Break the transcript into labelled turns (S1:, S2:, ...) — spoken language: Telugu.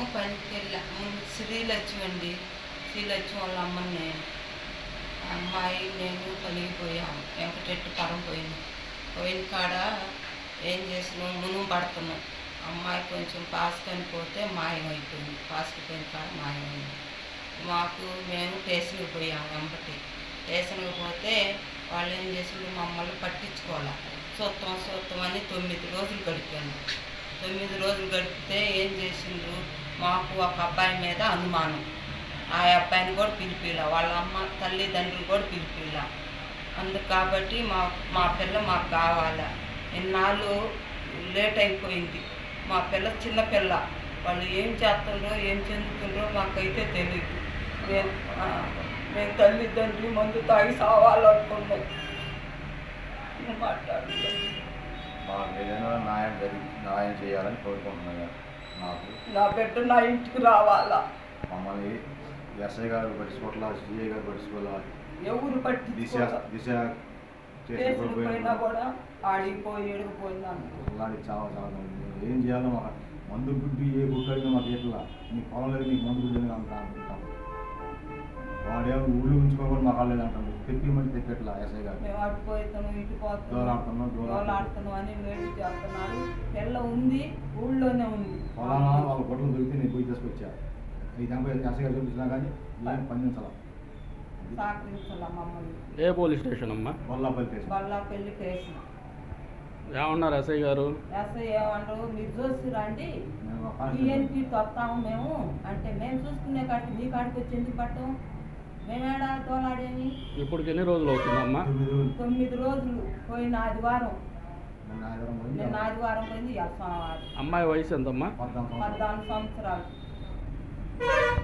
S1: పనికి వెళ్ళా శ్రీలక్ష్మి అండి. శ్రీలక్ష్మి వాళ్ళ అమ్మని నేను, అమ్మాయి నేను పనికి పోయాము. వెంకటెట్టుపురం పోయిన కాడ ఏం చేసినాం, మునుగు పడుతున్నాం. అమ్మాయి కొంచెం పాసుకొని పోతే మాయమైపోయింది. పాసుకు పోయిన కాడ మాయమైంది. మేము స్టేషన్కి పోయాము. వెంబటి స్టేషన్కి పోతే వాళ్ళు ఏం చేసిండ్రు, మమ్మల్ని పట్టించుకోవాలి. చూస్తాం అని 9 రోజులు గడిపాను. 9 రోజులు గడిపితే ఏం చేసిండ్రు, మాకు ఒక అబ్బాయి మీద అనుమానం. ఆ అబ్బాయిని కూడా పిలిపిలా, వాళ్ళ అమ్మ తల్లిదండ్రులు కూడా పిలిపిలా. అందుకు కాబట్టి మా పిల్ల మాకు కావాలా. ఇన్నాళ్ళు లేట్ అయిపోయింది. మా పిల్ల చిన్నపిల్ల, వాళ్ళు ఏం చేస్తుండ్రో ఏం చెందుతుండ్రో మాకైతే తెలియదు. మేము తల్లిదండ్రులు మందు తాగి సావాలనుకున్నాం. మాట్లాడుతున్నాం.
S2: మాకు ఏదైనా న్యాయం చేయాలని కోరుకుంటున్నాను.
S1: నా బిడ్డ నా ఇంటికి రావాలా.
S2: మమ్మల్ని ఎస్ఐ గారు పట్టించుకోవాలా, సిఐ గారు పట్టించుకోవాలా,
S1: ఎవరు
S2: దిశ
S1: పోయినా కూడా ఆడిపోయి ఎడిగిపోయినాను.
S2: అలాంటి చాలా ఏం చేయాలో మాకు మందు గుడ్డు ఏ గుడ్డు అడిగినా మాకు ఎట్లా నీ పొలం లేదు, నీకు మందు గుడ్డు అంటాం. వాడేమో ఊళ్ళు ఉంచుకోవాలి మాకు లేదంటాడు. తెప్పిమంటే తెప్పెట్లా ఎస్ఐ గారు.
S1: మేము అటుపోతాను ఇటు పోతాను అని వేడి చేస్తున్నారు. పిల్ల ఉంది, ఊళ్ళోనే ఉంది.
S2: పొలానా వాళ్ళ గొడవలు దొరికితే నేను పోయి తీసుకొచ్చా. ఈ దాంట్లో ఎస్ఐ గారు చూపించినా కానీ ఏం స్పందించాలా,
S1: సహకరించాలా మమ్మల్ని.
S3: ఏ పోలీస్ స్టేషన్ అమ్మా?
S1: బల్లాపల్లి కేసు.
S3: ఏమన్నారు ఎస్ఐ గారు?
S1: ఎస్ఐ ఏమన్నారు, మీరు చూసి రండి, టీఎన్పీ వస్తాము మేము అంటే, మేము చూసుకునే కాడికి మీ కాడికి వచ్చి ఎందుకు పట్టాం, మేమేడా తోలాడేమి.
S3: ఇప్పటికి ఎన్ని రోజులు అవుతుందమ్మా?
S1: 9 రోజులు. పోయిన ఆదివారం, నిన్న ఆదివారం పోయింది.
S3: అమ్మాయి వయసు ఎంతమ్మా?
S1: 14 సంవత్సరాలు.